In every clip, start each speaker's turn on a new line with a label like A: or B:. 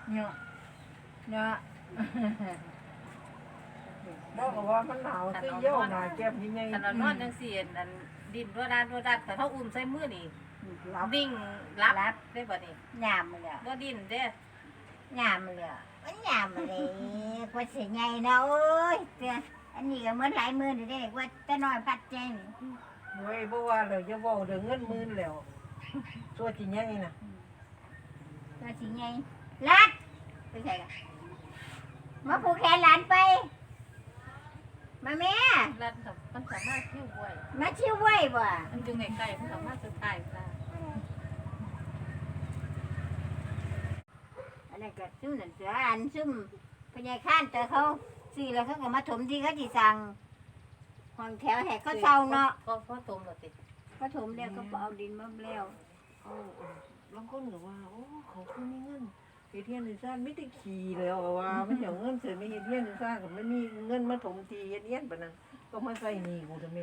A: เนาะเนาะ
B: บอกว่ามันหนาวคือเยี่ยวหนาแก้มยังไง
C: ขนาดนอนจังซี่อันดินรัวด้านแต่เขาอุ้มใส่มือนี่
B: รับ
C: นิ่งรับได้บ่นี่
A: ยามมาเลย
C: บ่ดิ้นเด้
A: ยามมาเลยมันยามมาเลยกว่าสิใหญ่เนาะโอ้ยเตี้ยอันนี้ก็เหมือนหลายมือนี่เด้กว่าแต่น้อยพัดใจนี่
B: เว้ยบ่ว่าเลยจะบอกเดี๋ยวเงินหมื่นแล้วตัวจริงยังไงนะ
A: กว่าสิใหญ่ลัดไปใส่กันมาผูกแขนหลานไปมาแม่
C: รัดกับมันสามารถเที่ยวบ่อย
A: มาชิวไว้บ่
C: มันอยู่ใกล้ๆมันสามารถสุดท้ายได้
A: อันนั้นก็ซุ่มนั่นเสืออันซุ่มพญายข้านแต่เขาซื้อแล้วเขาก็มาถมที่เขาสิสั่งห้องแถวแหกเขาเช่าเนาะ
C: ก็พอตมแล้วติ
A: เขาถมแล้วเขาก็เอาดินมาแล้ว
B: บางคนก็ว่าโอ้เขาคือมีเงินเฮดเทียนในซ่านไม่ได้ขี่แล้วว่าไม่เหี่ยวเงินเสร็จไม่เฮดเทียนในซ่านก็ไม่มีเงินมาถมทีเฮดเทียนปะนั้นก็มาใส่หนี้กูทำไม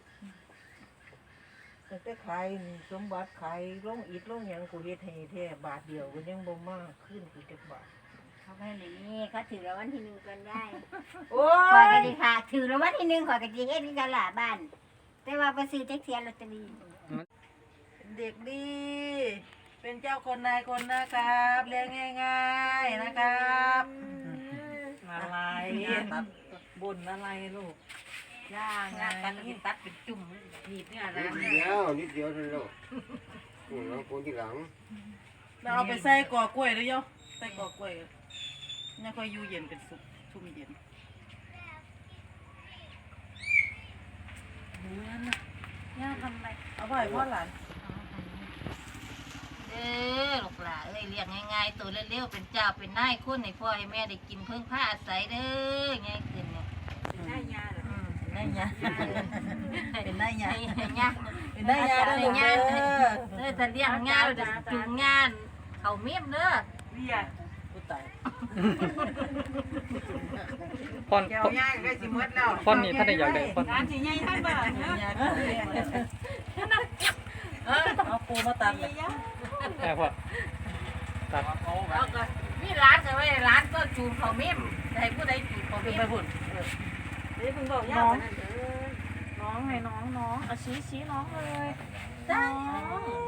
B: แต่ขายสมบัติขายลงอิฐลงหยังกูเฮ็ดให้แท้บาทเดียวก็ยังบ่มากขึ้นกูจักบาท
A: เขาไม่ได้นี่เขาถือรางวัลที่หนึ่งกันได้
B: โอ้
A: ข่อย
B: ย
A: ก็ดีค่ะ ถือรางวัลที่หนึ่งข่อยก็ดีเฮ็ดที่ตลาดบ้าน แต่ว่าไปซื้อแท็กซี่ลอตเตอรี่
B: เด็กดี เป็นเจ้าคนนายคนนะครับเลี้ยงง่ายๆนะครับอะไรบุญอะไรลูกย่าง
C: งานกันที่ตัดเป็นจุ่มหนีบเนี่ยนะ
D: นิดเดียวนิดเดียวเท่านั้นหรอกเราคนที่หลัง
E: เราเอาไปใส่กอกล้วยเลยโยใส่กอกล้วยนี่ค่อยอยู่เย็นเป็นสุกชุ่มเย็น
C: ย่าทำไร
E: เอาไปพ่อหลาน
C: เด้อลูกหลานเอ้ยเลี้ยงง่ายๆตัวเร็วๆเป็นเจ้าเป็นนายคนให้พ่อให้แม่ได้กินเพิ่งผ้าอาศัยเด้อง่ายขึ้นเนี่ย
E: ได้ยา
C: ได้ยา
E: เป็นได้ยา
C: ได้ยา
E: เป็นได้ยา
C: ได้ยาเด้อแต่เลี้ยงงานจุงงานเขาเมียมเด้อ
E: เบียกูตาย
F: ฟอน
B: แก้วย่างได้สิหมดแล้ว
F: ฟอนนี่ถ้าได้อยากได้ฟอน
E: ร้านสีใหญ่ท่านบ้านยาเอาปูมาตัดเลย
F: แค่พอตัด
C: แล้วก็มีร้านก็ไว้ร้านก็จูงเขาเมียมให้ผู้ใดจูงเขา
E: ขึ้
C: เมี
E: น
C: ย
E: ไป
C: ม
E: พุ่นนี่เพิ่งบอกน้องให้น้องเอาชี้น้องเลยน้อง